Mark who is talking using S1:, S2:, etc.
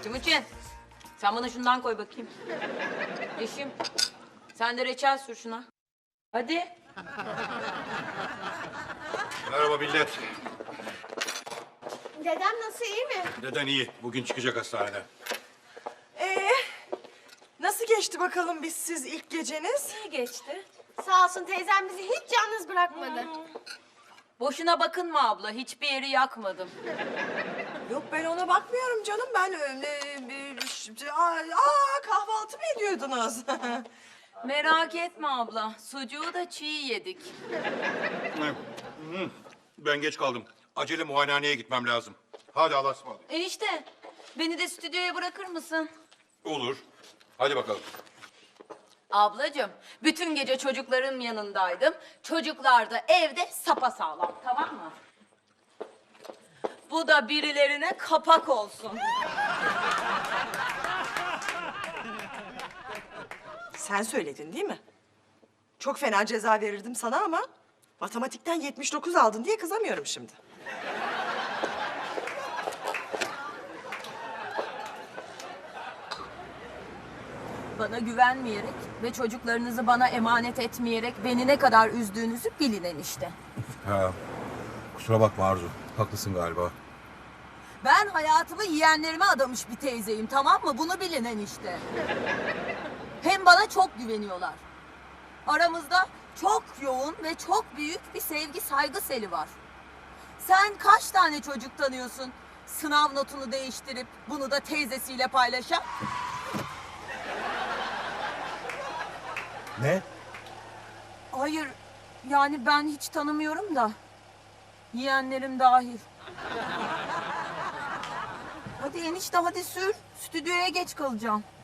S1: Timuçin, sen bana şundan koy bakayım. Yeşim, sen de reçel sür şuna. Hadi.
S2: Merhaba millet.
S3: Dedem nasıl, iyi mi?
S2: Deden iyi. Bugün çıkacak hastaneden.
S4: Nasıl geçti bakalım siz ilk geceniz?
S1: İyi geçti.
S3: Sağ olsun teyzem bizi hiç yalnız bırakmadı.
S1: Boşuna bakınma abla, hiçbir yeri yakmadım.
S4: Yok ben ona bakmıyorum canım. Ben kahvaltı mı ediyordunuz?
S1: Merak etme abla, sucuğu da çiğ yedik.
S2: Ben geç kaldım. Acele muayenehaneye gitmem lazım. Hadi Allah'a ısmarladık.
S1: Enişte, beni de stüdyoya bırakır mısın?
S2: Olur. Hadi bakalım.
S1: Ablacığım, bütün gece çocukların yanındaydım. Çocuklar da evde sapasağlam, tamam mı? Bu da birilerine kapak olsun.
S4: Sen söyledin değil mi? Çok fena ceza verirdim sana ama matematikten 79 aldın diye kızamıyorum şimdi.
S1: Bana güvenmeyerek ve çocuklarınızı bana emanet etmeyerek beni ne kadar üzdüğünüzü bilin enişte.
S2: Ha. Kusura bakma Arzu. Haklısın galiba.
S1: Ben hayatımı yeğenlerime adamış bir teyzeyim, tamam mı? Bunu bilin enişte. Hem bana çok güveniyorlar. Aramızda çok yoğun ve çok büyük bir sevgi saygı seli var. Sen kaç tane çocuk tanıyorsun? Sınav notunu değiştirip bunu da teyzesiyle paylaşan?
S2: Ne?
S1: Hayır, yani ben hiç tanımıyorum da. Yeğenlerim dahil. Hadi enişte, hadi sür. Stüdyoya geç kalacağım.